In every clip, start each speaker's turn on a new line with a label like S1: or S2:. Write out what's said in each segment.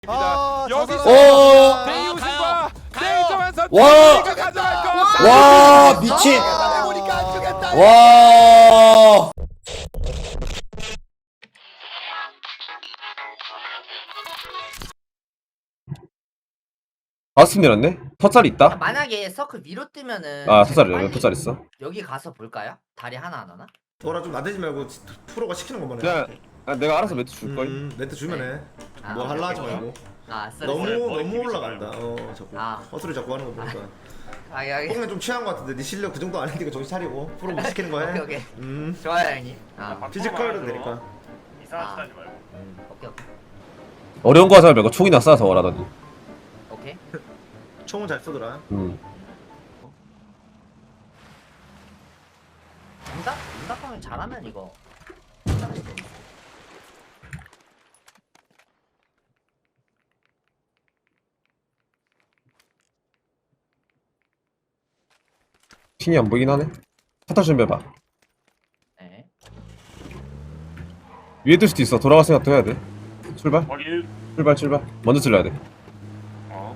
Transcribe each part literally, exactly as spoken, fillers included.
S1: 아,
S2: 여기서
S3: 오!
S2: 대이우승과 대이정한 선수
S3: 와!
S2: 가져갈 것.
S3: 와 미친
S1: 해보니까 안 주겠다.
S3: 와 가슴 내렸네? 텃살 있다?
S4: 만약에 서클 위로 뜨면은
S3: 아
S4: 제가
S3: 텃살이래
S4: 빨리
S3: 텃살 있어
S4: 여기 가서 볼까요? 다리 하나 안 하나?
S1: 너라 좀 나대지 말고 프로가 시키는 것만 해.
S3: 야 아, 내가 알아서 멘트 줄걸?
S1: 음, 멘트 주면 해.
S4: 아,
S1: 뭐
S4: 오케이,
S1: 할라 하지
S4: 오케이.
S1: 말고.
S4: 아 쏘리
S1: 너무
S4: 쏘리.
S1: 너무 올라간다. 어, 자꾸
S4: 아.
S1: 헛소리 자꾸 하는 거 보니까.
S4: 아 여기
S1: 뽕은 좀 취한 거 같은데 네 실력 그 정도 아니니까 정신 차리고 프로 못 시키는 거 해.
S4: 오케이 오케이
S1: 음,
S4: 좋아요 형님. 아
S1: 피지컬은 되니까.
S2: 이상한
S4: 아.
S2: 짓 하지 말고.
S4: 오케이 오케이
S3: 어려운 거 하자 말고 총이나 쏴서 원하더니
S4: 오케이.
S1: 총은 잘 쏘더라.
S3: 음.
S4: 문답 문답하면 잘하면 이거.
S3: 핑이 안 보이긴 하네 타탈 준비해봐
S4: 네.
S3: 위에 뜰 수도 있어 돌아갈 생각도 해야 돼 출발
S2: 확인.
S3: 출발 출발 먼저 찔러야 돼
S2: 어.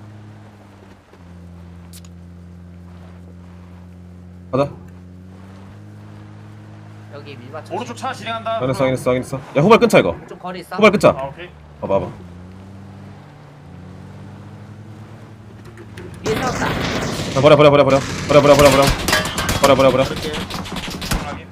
S3: 가자
S4: 여기 밀밭
S2: 오른쪽 차 진행한다.
S3: 확인했어 확인했어 확인했어 야 후발 끊자 이거
S4: 좀 거리 있어.
S3: 후발 끊자
S2: 아 오케이.
S3: 봐봐 봐봐
S4: 위에 세웠다.
S3: 야, 버려 버려 버려 버려 버려 버려 버려 버려 버려 버려 버려
S1: 이렇게
S2: 확인.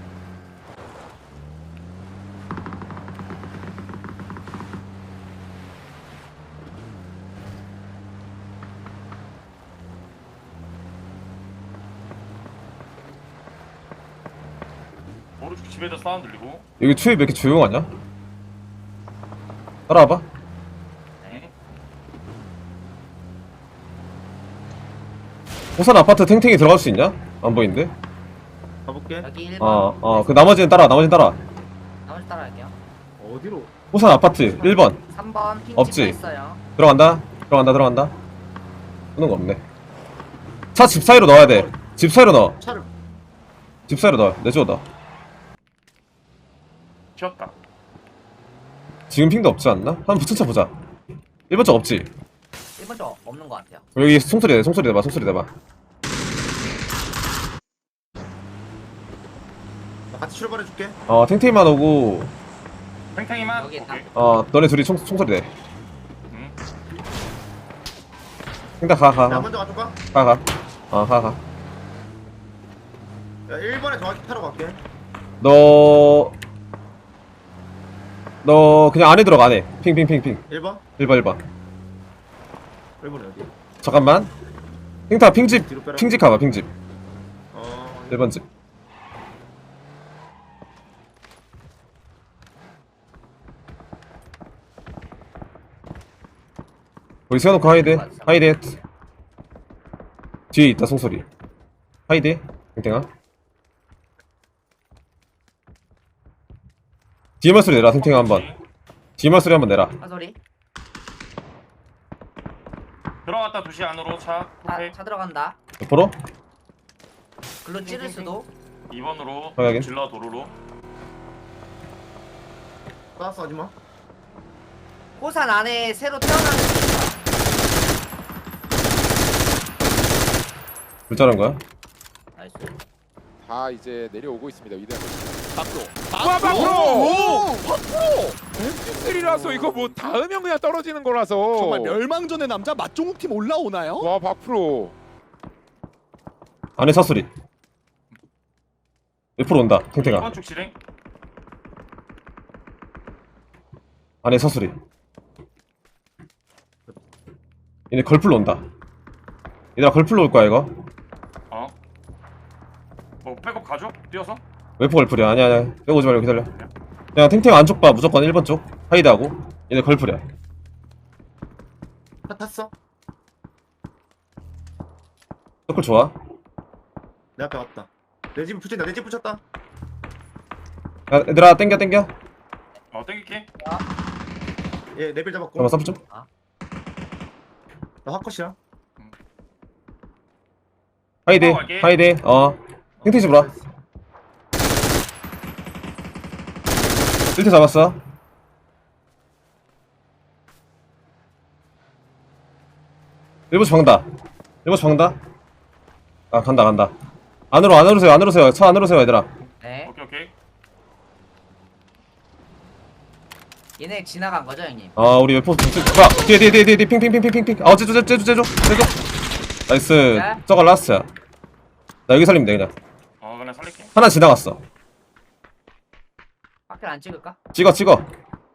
S2: 오른쪽 집에서 사운드 들리고.
S3: 여기 추위 왜 이렇게 조용하냐? 따라와봐
S4: 네.
S3: 호산 아파트 탱탱이 들어갈 수 있냐? 안 보이는데?
S1: 가볼게.
S4: 여기 일 번.
S3: 어, 어, 그 나머지는 따라, 나머지는 따라.
S4: 나머지 따라갈게요.
S1: 어디로?
S3: 호산 아파트 일 번.
S4: 삼 번 핑
S3: 없지?
S4: 찍혀 있어요.
S3: 들어간다. 들어간다, 들어간다. 쓰는 거 없네. 차 집 사이로 넣어야 돼. 집 사이로 넣어.
S1: 차를
S3: 집 사이로 넣어. 내주워 넣어.
S2: 튀었다.
S3: 지금 핑도 없지 않나? 한번 붙은 차 보자. 일 번 쪽 없지?
S4: 일 번 쪽 없는 것 같아요.
S3: 여기 송소리 내, 송소리 내봐, 송소리 내봐.
S1: 나 같이 출발해 줄게.
S3: 어, 탱탱이만 오고,
S2: 팽팽이만.
S4: 여기 있다.
S2: 오케이.
S3: 어, 너네 둘이 총, 송소리 내.
S2: 음.
S3: 탱탱 가, 가,
S1: 나
S3: 가.
S1: 먼저 가줄까?
S3: 가, 가. 어, 가, 가.
S1: 야, 일 번에 정확히 타러 갈게.
S3: 너, 너 그냥 안에 들어가, 안에. 핑, 핑, 핑, 핑.
S1: 일 번?
S3: 일 번, 일 번.
S1: 일 번에 어디?
S3: 잠깐만. 핑타 핑집,
S1: 뒤로 빼라.
S3: 핑집 가봐, 핑집.
S1: 어,
S3: 일 번 집. 거기 세워놓고 하이드, 하이드. 뒤에 있다, 송소리. 하이드, 땡땡아. 디엠알 소리 내라, 탱탱아 한번. 디엠알 소리 한번 내라.
S4: 사소리.
S2: 들어갔다 도시 안으로 차. 오케이.
S4: 차, 차 들어간다.
S3: 보러?
S4: 글로 찌를 수도.
S2: 이 번으로
S3: 확인.
S2: 질러 도로로.
S1: 쏴 쏘지 마.
S4: 호산 안에 새로 태어나는
S3: 불자란 거야?
S4: 나이스.
S5: 다 이제 내려오고 있습니다. 위대한 박도.
S2: 와 박프로.
S5: 박도.
S2: 엠피쓰리라서 이거 뭐 닿으면 그냥 떨어지는 거라서.
S5: 정말 멸망전의 남자 맛종욱 팀 올라오나요?
S2: 와 박프로.
S3: 안에 사소리. 옆으로 온다, 탱탱아.
S2: 이번 쪽 진행.
S3: 안에 사소리. 얘네 걸풀로 온다. 얘들아 걸풀로 올 거야 이거.
S2: 어. 뭐 백업 가죠? 뛰어서?
S3: 웨포 걸풀이야. 아니야 아니야. 빼고 오지 말고 기다려. 그냥 탱탱 안쪽 봐. 무조건 일 번 쪽. 하이드하고. 얘네 걸풀이야.
S1: 차 탔어?
S3: 서클 좋아.
S1: 내 앞에 왔다. 내 집 붙인다. 내 집 붙였다.
S3: 야, 얘들아 땡겨 땡겨.
S2: 어 땡길게.
S1: 얘 레벨 잡았고.
S3: 잠깐만 서프 좀.
S1: 나 화컷이야.
S3: 하이드
S2: 어, 갈게.
S3: 하이드. 어. 탱탱 집으로 와. 일 대 잡았어. 일번 방다. 일번 방다. 아 간다 간다. 안으로 안으로 세요 안으로 세요. 차 안으로 세요 얘들아.
S4: 네.
S6: 오케이 오케이.
S4: 얘네 지나간 거죠 형님?
S3: 아 우리 웨포 뭐야 뒤에 뒤에 뒤에 뒤에 핑핑핑핑핑핑. 아 째줘 째줘 째줘 째줘. 나이스.
S4: 네.
S3: 저거 라스트야. 나 여기 살리면 돼 그냥.
S6: 어 그냥 살릴게.
S3: 하나 지나갔어.
S4: 밖을 안 찍을까?
S3: 찍어 찍어.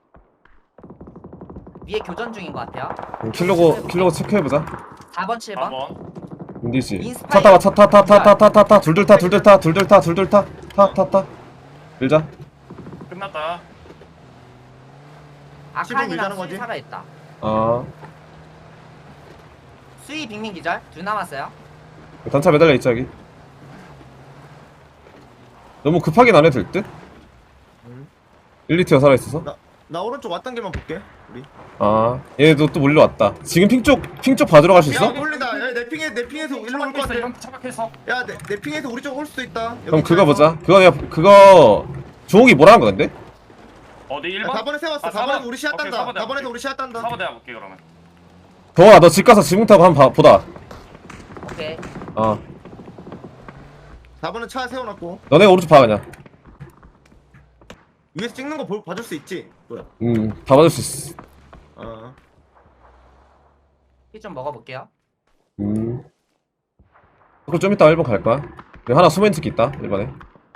S4: 위에 교전 중인 것 같아요.
S3: 음, 킬로고 킬로고 체크해보자.
S4: 사 번, 칠 번.
S6: 사 번.
S3: 인디지.
S4: 인스파이어.
S3: 차 타봐 차 타 타 타 타 타 타 타 둘둘 타 둘둘 타 둘둘 타 둘둘 타 타 타 타. 밀자.
S6: 끝났다.
S4: 아칸이랑
S1: 밀자는
S4: 수위
S1: 거지?
S4: 살아있다.
S3: 아
S4: 수위 빅민 기절. 둘 남았어요.
S3: 단차 매달려 있자 여기. 너무 급하게 안 해도 될 듯? 일 리티어 살아있어서?
S1: 나, 나 오른쪽 왔던 길만 볼게 우리.
S3: 아 얘도 또 몰려왔다. 지금 핑쪽 핑쪽 봐주러 갈 수 있어?
S1: 야 홀린다. 야, 내 핑에 내 핑에서 일로 올 것 같아.
S6: 형 차박했어.
S1: 야내 내 핑에서 우리 쪽 올 수도 있다.
S3: 그럼 그거 보자. 그거 내가 그거 종욱이 뭐라는 거 근데?
S6: 어디 일
S1: 야,
S6: 번?
S1: 사 번에 세웠어.
S6: 아,
S1: 사 번에
S6: 사 번.
S1: 우리 시야
S6: 오케이,
S1: 딴다.
S6: 사 번에
S1: 사 번에서
S6: 볼게.
S1: 우리 시야 딴다.
S6: 사 번 내가 볼게 그러면.
S3: 동아 너 집 가서 지붕 타고 한번 봐, 보다.
S4: 오케이.
S3: 어
S1: 사 번은 차 세워놨고
S3: 너네 오른쪽 봐 그냥.
S1: 위에서 찍는 거 보, 봐줄 수 있지. 뭐야?
S3: 음다 봐줄 수 있어.
S1: 어.
S4: 피 좀 먹어볼게요.
S3: 음 그럼 좀 이따 일 번 갈 거야. 여기 하나 수면 특기 있다 일 번에.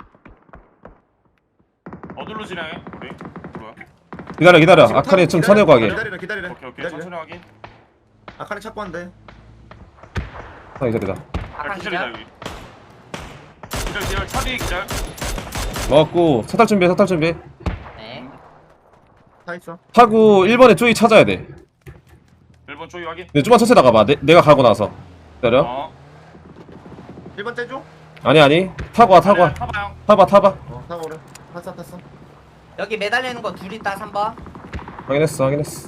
S6: 어디로 진행해? 우리. 뭐야?
S3: 기다려 기다려.
S1: 지금
S3: 아칸이
S1: 타-
S3: 좀
S1: 기다려.
S3: 쳐내고 하게.
S1: 기다리라 기다리라.
S6: 오케이 오케이.
S1: 기다리라.
S6: 천천히 확인.
S1: 아칸이 찾고 한대.
S3: 아 기다리다.
S6: 야,
S4: 아칸
S6: 기절이다
S4: 기절.
S6: 여기. 기절 기절 차 뒤에 기절.
S3: 먹었고 차 탈 준비해 차 탈 준비해.
S4: 네.
S1: 다 있어.
S3: 타고 일 번에 쪼이 찾아야 돼.
S6: 일 번 조이 확인.
S3: 근데 좀만 천천히 나가봐. 내, 내가 가고 나서 기다려.
S6: 어.
S1: 일 번 째줘.
S3: 아니 아니 타고 와 타고 와
S6: 아니야, 타봐 형.
S3: 타봐 타봐.
S1: 어 타고 오래. 탔어 탔어.
S4: 여기 매달려 있는 거 둘 있다. 삼 번.
S3: 확인했어 확인했어. 야,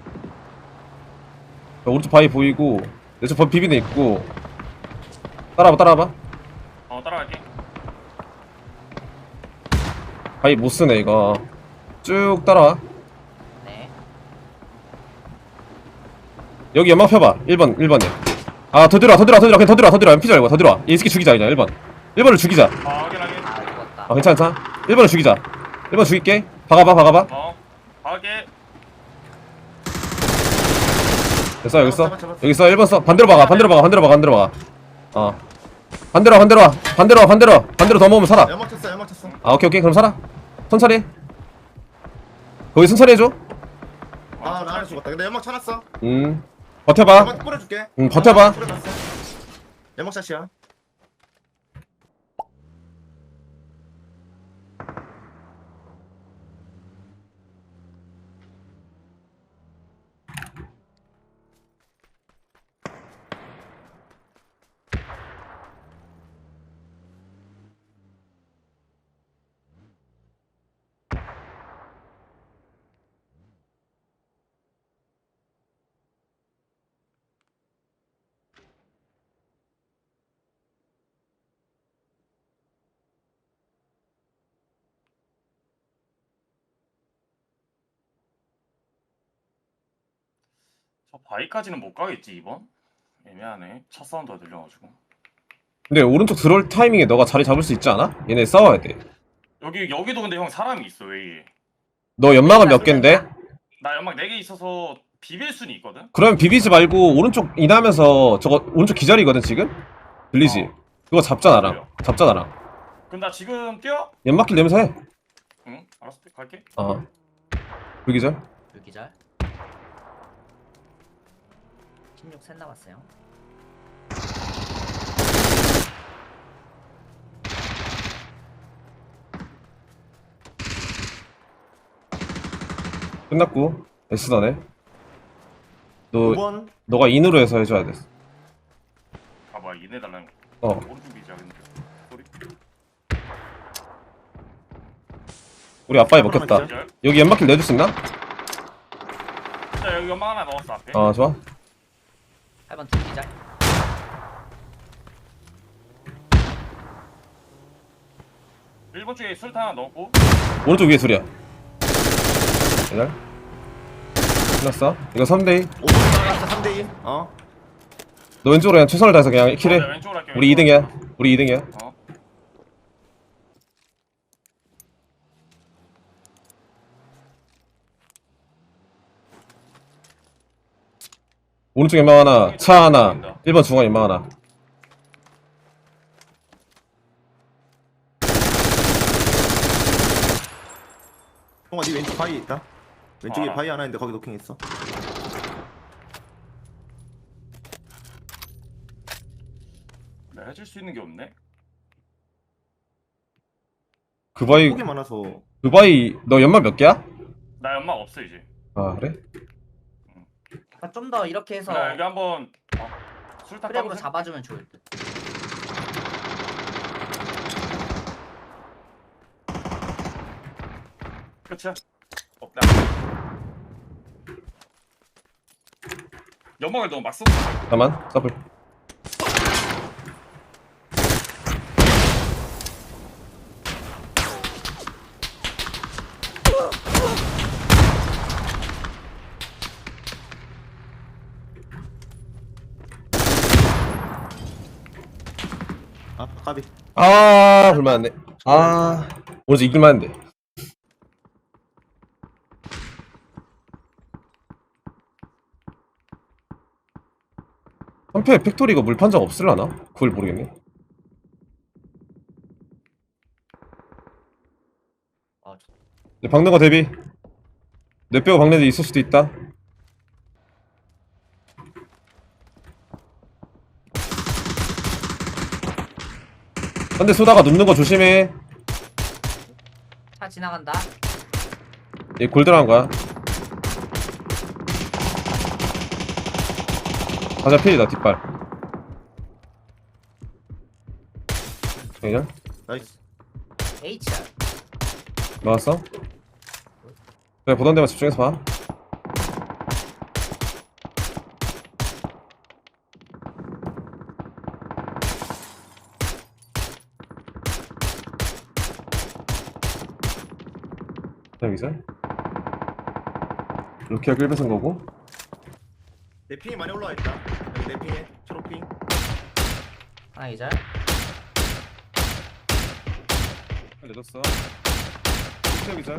S3: 오른쪽 바위 보이고 내쪽 번 비비는 있고. 따라와봐 따라와봐.
S6: 어 따라갈게.
S3: 바위 못쓰네 이거. 쭉 따라와.
S4: 네.
S3: 여기 연막 펴봐. 일 번 일 번에. 아 더 들어와 더 들어와 더 들어와 그냥 더 들어와 더 들어와 엠피 말고 더 들어와. 이 새끼 죽이자 그냥 일 번. 일 번을 죽이자.
S6: 어 확인 확인.
S4: 아 죽었다.
S3: 아 괜찮아 괜찮아. 일 번을 죽이자. 일 번 죽일게. 박아봐 박아봐.
S6: 어. 박게.
S3: 됐어 여기 있어
S1: 잡아, 잡아, 잡아.
S3: 여기 있어 일 번 써. 반대로 박아 반대로 박아 반대로 박아 반대로 박아. 어 반대로 와 반대로 와 반대로 와 반대로 반대로 더 모으면 살아.
S1: 연막 쳤어 연막 쳤어.
S3: 아 오케이 오케이 그럼 살아. 천천히. 거기 천천히 해줘.
S1: 아 나 하나 죽었다. 근데 연막 쳐놨어.
S3: 음 버텨봐.
S1: 연막 뿌려줄게.
S3: 응, 버텨봐.
S1: 연막 뿌려놨어. 연막 샷이야.
S6: 저 바위까지는 못 가겠지 이번. 애매하네. 차 사운드가 들려가지고.
S3: 근데 오른쪽 들어올 타이밍에 너가 자리 잡을 수 있지 않아? 얘네 싸워야 돼.
S6: 여기 여기도 근데 형 사람이 있어 왜?
S3: 너 연막은 몇 갠데?
S6: 나 연막 네 개 있어서 비빌 수는 있거든.
S3: 그러면 비비지 말고 오른쪽 인하면서 저거 오른쪽 기절이거든 지금? 들리지?
S6: 어.
S3: 그거 잡자 나랑.
S6: 들려.
S3: 잡자 나랑.
S6: 그럼 나 지금 뛰어?
S3: 연막길 내면서 해.
S6: 응 알았어 갈게.
S3: 어. 불기절?
S4: 둘 기절. 십육 셋 남았어요.
S3: 끝났고. S다네. 너
S1: 오 번.
S3: 너가 인으로 해서 해줘야 돼.
S6: 아 뭐야 이내 달라는 거.
S3: 어.
S6: 오른쪽 비자 근데. 소리.
S3: 우리 아빠이 먹겠다.
S6: 기절.
S3: 여기 연막길 내줄 수 있나?
S6: 자 여기 연막 하나 넣었어 앞에.
S3: 아 좋아.
S4: 팔 번 둘 기절.
S6: 일 번 쪽에 술탄 하나 넣었고.
S3: 오른쪽 위에 둘이야. 기다려. 끝났어. 이거 삼 대 이.
S1: 오 번 나갔어 삼 대 이. 어.
S3: 너 왼쪽으로 그냥 최선을 다해서 그냥
S6: 어,
S3: 킬해.
S6: 내가 왼쪽으로 할게.
S3: 우리
S6: 왼쪽으로.
S3: 이 등이야. 우리 이 등이야.
S6: 어.
S3: 오른쪽 연막 하나, 차 하나, 일 번 중앙 연막 하나.
S1: 형아 네 왼쪽 바위 있다. 왼쪽에
S6: 아.
S1: 바위 하나 있는데 거기 노킹 있어.
S6: 내가 해줄 수 있는 게 없네.
S3: 그 바이,
S1: 폭이 많아서.
S3: 그 바이, 너 연막 몇 개야?
S6: 나 연막 없어 이제.
S3: 아, 그래?
S4: 좀 더 이렇게 해서
S6: 나 여기 한번 어, 술딱
S4: 프랩으로
S6: 까보자.
S4: 잡아주면 좋을 듯.
S6: 끝이야. 없다. 연막을 너무 막 쏘고.
S3: 잠깐만, 서플.
S1: 아 까비.
S3: 아, 불만 안 돼. 아, 오늘 이길만 했는데. 한패 팩토리 이거 물판 적 없을라나? 그걸 모르겠네.
S4: 어, 좋-
S3: 내 박는 거 대비. 내 뼈가 박는 데 있을 수도 있다. 한 대 쏘다가 눕는 거 조심해.
S4: 차 지나간다.
S3: 얘 골 들어간 거야. 가자 필이다 뒷발. 그냥
S1: 나이스.
S4: H.
S3: 나왔어? 그래 보던 데만 집중해서 봐. 여기서 루키가 끌 뺏은 거고.
S1: 내 핑이 많이 올라와 있다. 여기 내 핑에 초록핑.
S4: 하나 기절.
S3: 내줬어. 여기서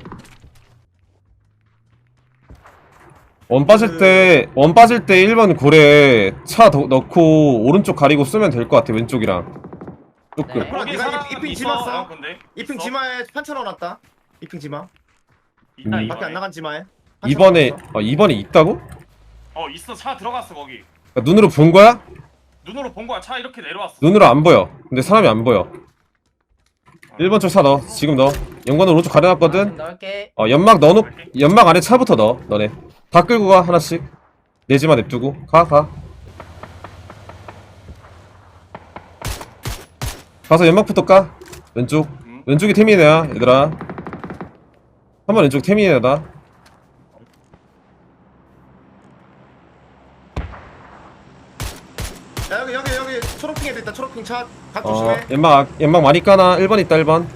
S3: 원 빠질 때, 원 빠질 때 일 번 고래 차 더, 넣고 오른쪽 가리고 쏘면 될 것 같아, 왼쪽이랑. 조금.
S4: 네.
S1: 그럼
S6: 거기
S1: 네가
S6: 사람
S1: 이- 이핑
S6: 있어,
S1: 지났어?
S6: 형, 근데
S1: 이핑
S6: 있어?
S1: 지마에 판천 넣어놨다. 이핑 지마.
S6: 있다
S3: 음.
S6: 이번에.
S1: 밖에 안 나간 지마에.
S3: 이번에, 어, 이번에 있다고?
S6: 어 있어. 차 들어갔어 거기.
S3: 그러니까 눈으로 본 거야?
S6: 눈으로 본 거야. 차 이렇게 내려왔어.
S3: 눈으로 안 보여. 근데 사람이 안 보여. 일 번 쪽 차 넣어. 지금 넣어. 연관으로 오른쪽 가려놨거든?
S4: 넣을게.
S3: 어, 연막 넣어놓, 연막 안에 차부터 넣어, 너네. 다 끌고 가, 하나씩. 내지만 냅두고. 가, 가. 가서 연막부터 까. 왼쪽.
S6: 응.
S3: 왼쪽이 태민이야, 얘들아. 한 번 왼쪽 태민이다.
S1: 야 여기 여기 여기 초록핑에도 있다. 초록핑 차. 각
S3: 어,
S1: 조심해.
S3: 연막, 연막 많이 까나? 일 번 있다, 일 번.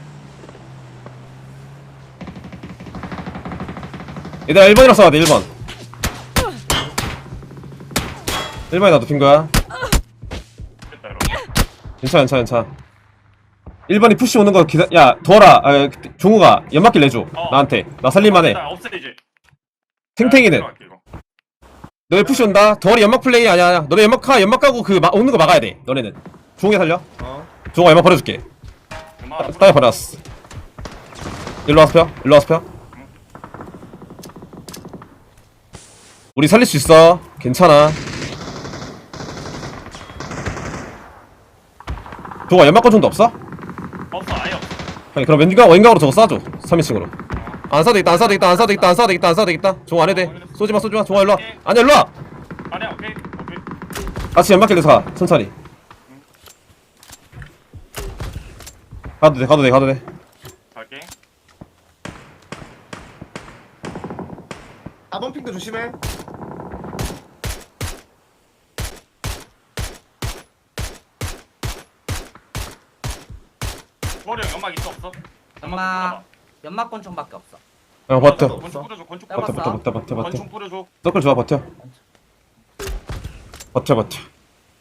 S3: 얘들아, 일 번이라 써야 돼, 일 번. 일 번에 나도 핀 거야.
S6: 됐다 이러면.
S3: 괜찮아, 괜찮아, 괜찮아. 일 번이 푸시 오는 거 기다, 야, 도와라. 아, 종우가 연막길 내줘.
S6: 어.
S3: 나한테. 나 살릴만해.
S6: 나 없애 이제.
S3: 탱탱이는.
S6: 나 들어갈게, 이거.
S3: 너네 푸시 온다. 덩어리 연막 플레이 아니야, 아니야. 너네 연막 카, 연막 까고 그, 마, 오는 거 막아야 돼. 너네는. 종우가 살려.
S1: 어.
S3: 종우가 연막 버려줄게.
S6: 그만.
S3: 따위 버렸어. 일로 와서 펴. 일로 와서 펴. 우리 살릴 수 있어. 괜찮아. 종우가 연막권 정도 없어?
S6: 없어 아예 없어.
S3: 아니, 그럼 왼각, 왼각으로 저거 쏴줘. 삼 인칭으로. 안 쏴도 되겠다, 안 쏴도 되겠다, 안 쏴도 되겠다, 안 쏴도 되겠다, 안 쏴도 되겠다. 종우 안 해도 돼. 쏘지마, 쏘지마. 종우 일로 와. 아니야, 일로 와.
S6: 아니야 오케이 오케이.
S3: 같이 연막길 내서 가. 천천히. 가도 돼, 가도 돼, 가도 돼.
S6: 갈게.
S1: 사 번 핑도 조심해.
S6: 머리 형 연막 있어 없어?
S4: 연막 연막 권총밖에 없어.
S3: 어, 버텨.
S6: 권총 뿌려줘. 권총
S4: 떨궜어.
S3: 버텨, 버텨, 버텨, 버텨, 버텨.
S6: 권총 뿌려줘.
S3: 서클 좋아, 버텨. 버텨, 버텨.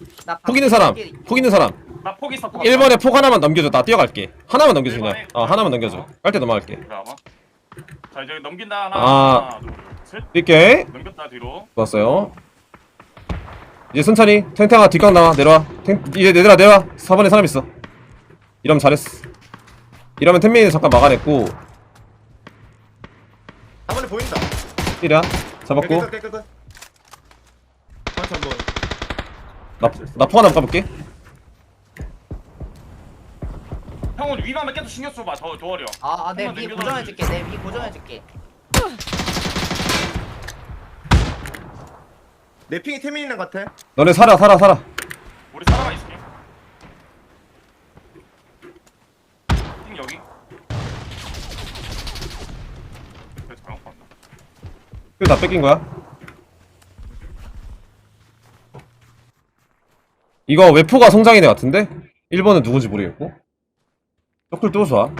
S4: 나
S3: 폭 있는 사람
S4: 밖에
S3: 폭 있는 사람
S6: 나 포기 있어. 포기
S3: 일
S6: 있어.
S3: 번에 폭 하나만 넘겨줘. 나 뛰어갈게. 하나만 넘겨줘 그냥.
S6: 일번에
S3: 어 하나만 넘겨줘.
S6: 어.
S3: 깔 때 넘어갈게.
S6: 기다려봐. 자 이제 넘긴다 하나.
S3: 아.
S6: 둘, 셋.
S3: 뛸게.
S6: 넘겼다 뒤로.
S3: 좋았어요. 이제 천천히 탱탱아 뒷각 나와. 내려와. 탱 이제 얘들아 내려와. 사 번에 사람 있어. 이러면 잘했어. 이러면 텐민이 잠깐 막아냈고
S1: 사 번에 보인다.
S3: 띠랴 잡았고
S1: 깨끗 깨끗. 한참 뭐.
S3: 나나 포 하나 까볼게.
S6: 형은 위만 계속 신경 써봐. 더 도와려.
S4: 아내
S6: 한번
S4: 위
S6: 넘겨줘.
S4: 고정해줄게. 내 위 고정해줄게.
S1: 내 핑이 태민이랑 같아.
S3: 너네 살아 살아 살아.
S6: 우리 살아가 있을게. 띵 여기. 그래 잘못 봤나?
S3: 이거 다 뺏긴 거야? 이거 웨포가 성장인 애 같은데? 일 번은 누군지 모르겠고 서클 또 좋아.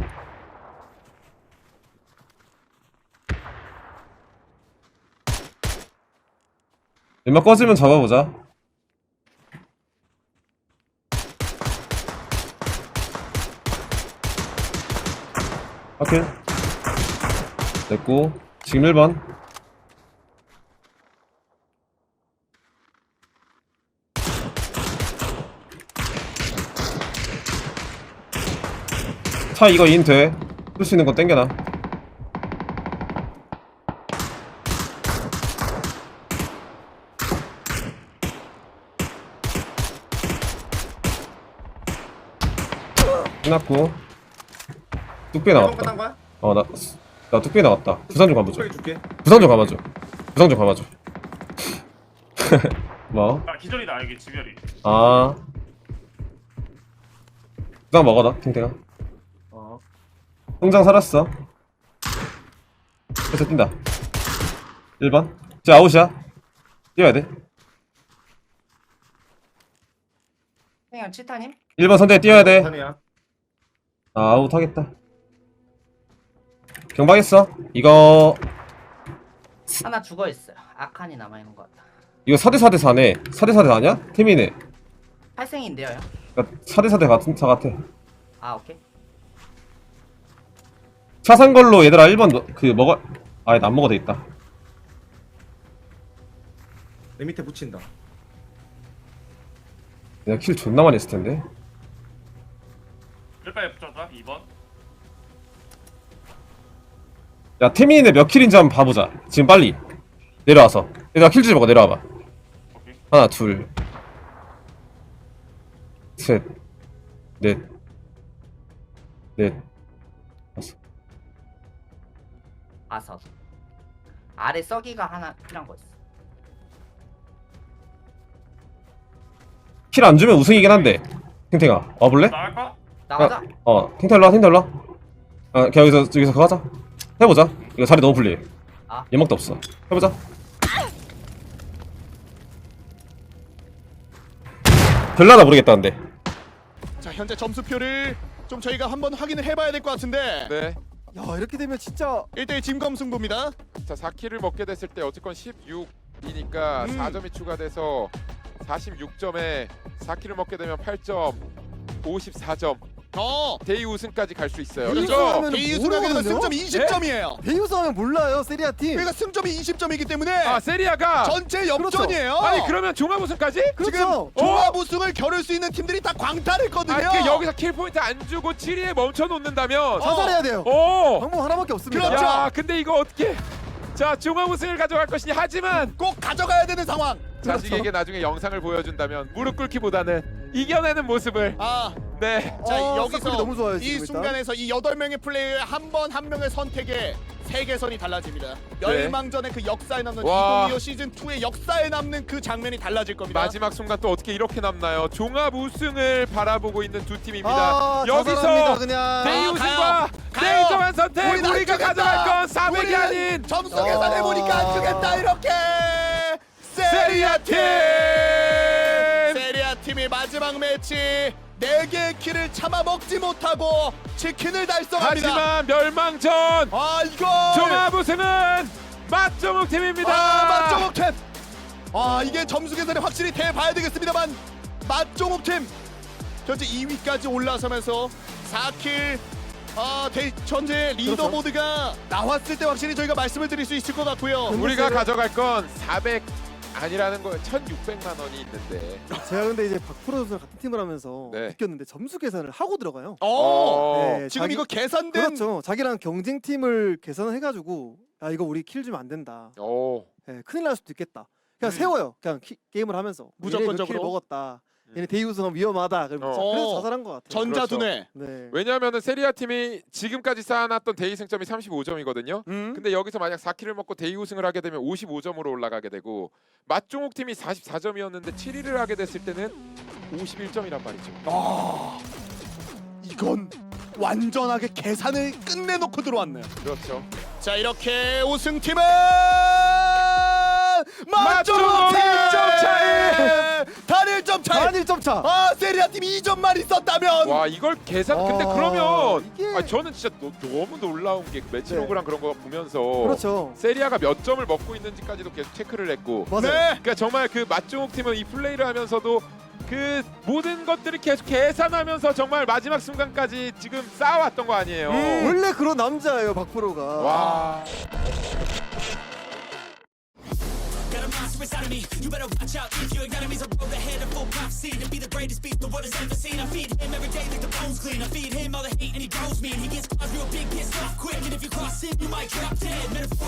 S3: 연막 꺼지면 잡아보자. 오케이 됐고 지금 일 번 차 이거 인 돼. 쓸 수 있는 건 땡겨놔. 끝났고 뚝배
S1: 딴
S3: 나왔다.
S1: 거야?
S3: 어나 나 뚝배 나왔다. 부산 좀 가봐줘.
S1: 소리 줄게.
S3: 부산 좀 가봐줘. 부산 좀 가봐줘. 뭐?
S6: 아 기절이다 여기 지별이.
S3: 아 부산 먹어라 탱탱아.
S1: 어.
S3: 성장 살았어. 그래서 뛴다. 일 번 저 아웃이야. 뛰어야 돼.
S4: 그냥 치타님?
S3: 일 번 선대 뛰어야 돼.
S1: 산이야.
S3: 아, 아웃 하겠다. 경박했어. 이거
S4: 하나 죽어 있어요. 아칸이 남아 있는 것 같다.
S3: 이거 사 대 사 대 사네. 사 대 사 대 사냐? 태민이네.
S4: 팔생인데요, 형.
S3: 그러니까 사 대 사 대 같은 차 같아.
S4: 아 오케이.
S3: 차 산 걸로 얘들아 일 번 그 먹어. 아예 안 먹어 돼 있다.
S1: 내 밑에 붙인다.
S3: 내가 킬 존나 많이 했을 텐데.
S6: 일까지 붙였다. 이 번.
S3: 야 태민이네 몇 킬인지 한번 봐보자. 지금 빨리 내려와서. 얘들아 킬 주지 말고 내려와봐.
S6: 오케이.
S3: 하나 둘 셋 넷 넷 다섯.
S4: 아섯. 아래 썩이가 하나 필요한 거 있어.
S3: 킬 안 주면 우승이긴 한데. 탱탱아 와볼래?
S6: 나갈까?
S4: 나가자.
S3: 어 탱탱 일로와 탱탱 일로와. 아 그냥 여기서 여기서 그거 하자. 해보자. 이거 자리 너무 불리해.
S4: 아.
S3: 연막도 없어. 해보자. 별나나 모르겠다는데.
S7: 자 현재 점수표를 좀 저희가 한번 확인을 해봐야 될 것 같은데
S5: 네.
S7: 야 이렇게 되면 진짜 일 대일 진검승부입니다.
S5: 자, 사 킬을 먹게 됐을 때 어쨌건 십육이니까
S7: 음.
S5: 사 점이 추가돼서 사십육 점에 사 킬을 먹게 되면 팔 점, 오십사 점.
S7: 어
S5: 대이 우승까지 갈 수 있어요.
S7: 그렇죠.
S8: 우승하면은
S7: 대이 우승하게 되면
S8: 모르거든요?
S7: 승점이 이십 점이에요.
S8: 베이우스 하면 몰라요 세리아 팀.
S7: 그러니까 승점이 이십 점이기 때문에
S2: 아 세리아가
S7: 전체 역전이에요.
S2: 아니 그러면 종합 우승까지?
S7: 지금
S8: 그렇죠.
S7: 종합 우승을 겨룰 수 있는 팀들이 다 광탈했거든요.
S2: 아니 그 여기서 킬 포인트 안 주고 칠 위에 멈춰 놓는다면
S8: 자살해야 돼요.
S2: 오!
S8: 방법 하나밖에 없습니다.
S7: 그렇죠.
S2: 야 근데 이거 어떻게 자 종합 우승을 가져갈 것이니 하지만
S7: 꼭 가져가야 되는 상황.
S5: 자식에게 나중에 영상을 보여준다면 무릎 꿇기보다는 이겨내는 모습을
S7: 아,
S2: 네.
S7: 자
S8: 어,
S7: 여기서
S8: 서클이 너무 좋아요,
S7: 이
S8: 지금 일단.
S7: 순간에서 이 여덟 명의 플레이어의 한 번 한 명의 선택에 세계선이 달라집니다. 열망전의 그 역사에 남는
S5: 와.
S7: 이천이십오 시즌 이의 역사에 남는 그 장면이 달라질 겁니다.
S5: 마지막 순간 또 어떻게 이렇게 남나요? 종합 우승을 바라보고 있는 두 팀입니다.
S8: 아, 자살합니다,
S5: 여기서
S8: 그냥.
S2: 대이
S7: 아,
S2: 우승과
S7: 가요. 가요.
S2: 냉정한 선택
S7: 우린 안
S2: 우리가
S7: 주겠다.
S2: 가져갈 건 사백이
S7: 우리는
S2: 아닌
S7: 점수
S8: 어.
S7: 계산해 보니까 안 주겠다 이렇게.
S2: 세리아 팀!
S7: 세리아 팀이 마지막 매치 네 개의 킬을 참아 먹지 못하고 치킨을 달성합니다.
S2: 하지만 멸망전
S7: 아 이거
S2: 종합 우승은 맛조목 팀입니다.
S7: 아 맞죠 캡. 아 이게 점수 계산이 확실히 돼 봐야 되겠습니다만 맛종욱 팀 현재 이 위까지 올라서면서 사 킬 아, 대, 현재 리더보드가 나왔을 때 확실히 저희가 말씀을 드릴 수 있을 것 같고요.
S5: 우리가 가져갈 건 사백 아니라는 거 천육백만 원이 있는데.
S8: 제가 근데 이제 박프로 선수 같은 팀을 하면서
S5: 네.
S8: 느꼈는데 점수 계산을 하고 들어가요.
S7: 어,
S5: 어.
S8: 네,
S7: 지금
S8: 자기-
S7: 이거 계산된
S8: 그렇죠. 자기랑 경쟁 팀을 계산을 해가지고 아 이거 우리 킬 주면 안 된다.
S5: 오.
S8: 예, 큰일 날 수도 있겠다. 그냥
S7: 음.
S8: 세워요. 그냥 키- 게임을 하면서
S7: 무조건적으로?
S8: 얘네 킬 먹었다. 얘네 대우승은 위험하다. 그러면서
S7: 어.
S8: 그래서 자살한 것 같아요.
S7: 전자두뇌.
S8: 네.
S5: 왜냐하면은 세리아 팀이 지금까지 쌓아놨던 대이 승점이 삼십오 점이거든요.
S7: 음.
S5: 근데 여기서 만약 사 킬을 먹고 대이 우승을 하게 되면 오십오 점으로 올라가게 되고 맛종욱 팀이 사십사 점이었는데 칠 위를 하게 됐을 때는 오십일 점이란 말이죠.
S7: 아, 이건 완전하게 계산을 끝내놓고 들어왔네요.
S5: 그렇죠.
S7: 자, 이렇게 우승팀은 맛종욱
S5: 맛종욱
S7: 팀!
S5: 일 점 차이!
S7: 단 일 점 차이!
S8: 단 일 점 차.
S7: 아, 세리아 팀이 이 점만 있었다면
S5: 와 이걸 계산 근데
S8: 아,
S5: 그러면
S8: 이게-
S5: 아, 저는 진짜 너, 너무 놀라운 게 매치 로그랑 그런 거 보면서
S8: 그렇죠.
S5: 세리아가 몇 점을 먹고 있는지까지도 계속 체크를 했고
S8: 맞아요.
S7: 네.
S5: 그러니까 정말 그 맛종욱 팀은 이 플레이를 하면서도 그 모든 것들을 계속 계산하면서 정말 마지막 순간까지 지금 쌓아왔던 거 아니에요.
S8: 음, 원래 그런 남자예요, 박프로가.
S5: 와.
S9: Got a monster inside of me. You better watch out if your enemy's a road ahead of full prophecy to be the greatest beast the world has ever seen. I feed him every day like the bones clean. I feed him all the hate and he grows me. And he gets caught real big, pissed off quick. And if you cross him, you might drop dead. Metaphor